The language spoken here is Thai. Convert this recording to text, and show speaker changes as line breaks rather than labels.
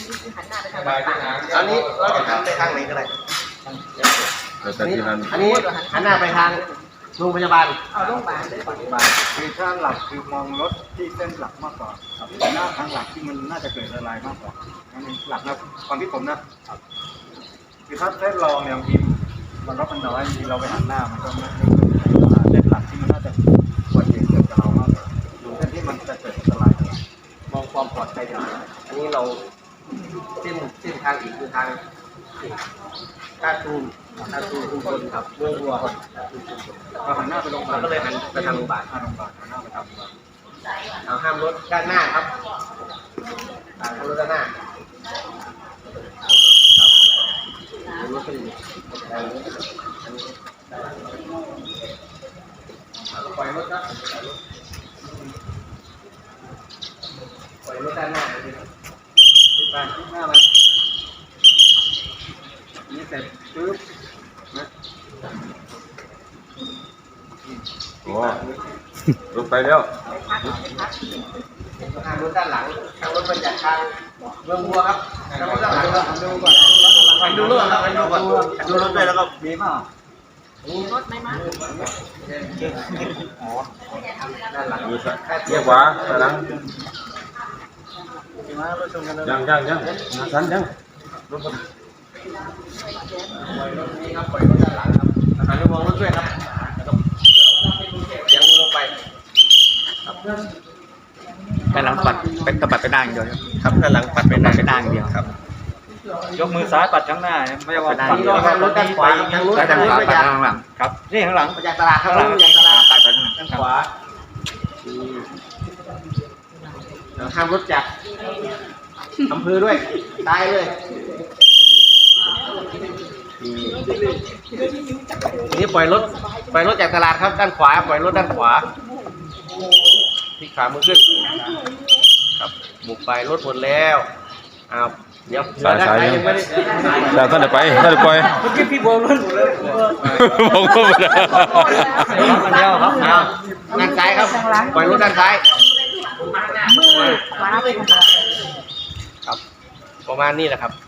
หันหน้าไปทางบ้านป่า
อันนี้เราจะหันไปทางไหนก็ได้
แต่ที่นั่น
อันนี้หันหน้าไปทางโรงพยาบาล
เอาโรงพยาบาลเลย
คือถ้าหลักคือมองรถที่เส้นหลักมากกว่าครับหน้าทางหลักที่มันน่าจะเกิดอะไรมากกว่านั่นเองหลักนะความที่ผมนะคือถ้าเส้นรองเนี่ยบางทีมันรถมันน้อยบางทีเราไปหันหน้ามันก็ไม่เส้นหลักที่มันน่าจะควรเกิดกับเรามากกว่าดูเส้นที่มันจะเกิดอันตรายกับเรา
มองความปลอดภัยดีอันนี้เราเส้นทางอีกคือทางท่าตูมชุมชนครับเมืองบัว
เราหันหน้าไปโรงพยาบาล
ก็เลยหันไปทางโรงพยาบาล
โรงพยาบาลหันหน้าไปทางโรงพยาบาล
เอาห้ามรถด้านหน้าครับห้ามรถด้านหน้าครับรถเป็นปล่อยรถครับปล่อยรถด้านหน้าเลยครับ
ไปหน้ามันนี่เสร็จปึ๊บนะ
โอ้ลงไปแล้ว
ทางรถด้านหลังทางรถมาจากทางเมืองบัวครับทางรถด้านหลัง
ดูก่อน
ไปดูรถครับไปดูก่อนดูรถด้วยแล้วก็
มีเปล่า
มีรถไหมมา
ด้านหลัง
ดูซะเรียกว่าตะลัง
มีมาประชุมกันแล้ว
ยังสันยังรถ
ปล่อยรถนี้ครับปล่อยรถด้านหลังครับหันไปมองรถด้วยครับแล้วก็เสียงลงไป
ด้านหลังปัดไปตะปัดไปด้านอย่างเดียวครับ
ครับด้านหลังปัดไป
ปัดไปด้านอย่างเดียว
ครับ
ยกมือซ้ายปัดข้างหน้าไม่ใช่ว่า
ไปด้าน
ปัด
นี่ก็รถด้านขวาทางนู้น
แล้วด้านขวาปัดด้านหลัง
ครับนี่ข้างหลัง
มาจากตลาดข้างหลังจากตลาด
ปัดไปด้านหลัง
ด้านขวาห้ามรถจากอำเภอด้วยตายเลยทีนี้ปล่อยรถจากตลาดครับด้านขวาปล่อยรถด้านขวาที่ขามือขึ้นครับบุกไปรถหมดแล้วอ้าวเดี๋ยว
สาย
ด้านซ้ายยังไม่ได้
แต่ท่านจะไปท่านจะปล่อย
เมื่อกี้พี่โบนรถ
ผมก็ไม่ได้
อันเดียวครับ
อ้าวด้านซ้ายครับปล่อยรถด้านซ้าย
มือขวาไปทาง
ครับประมาณนี้แหละครับ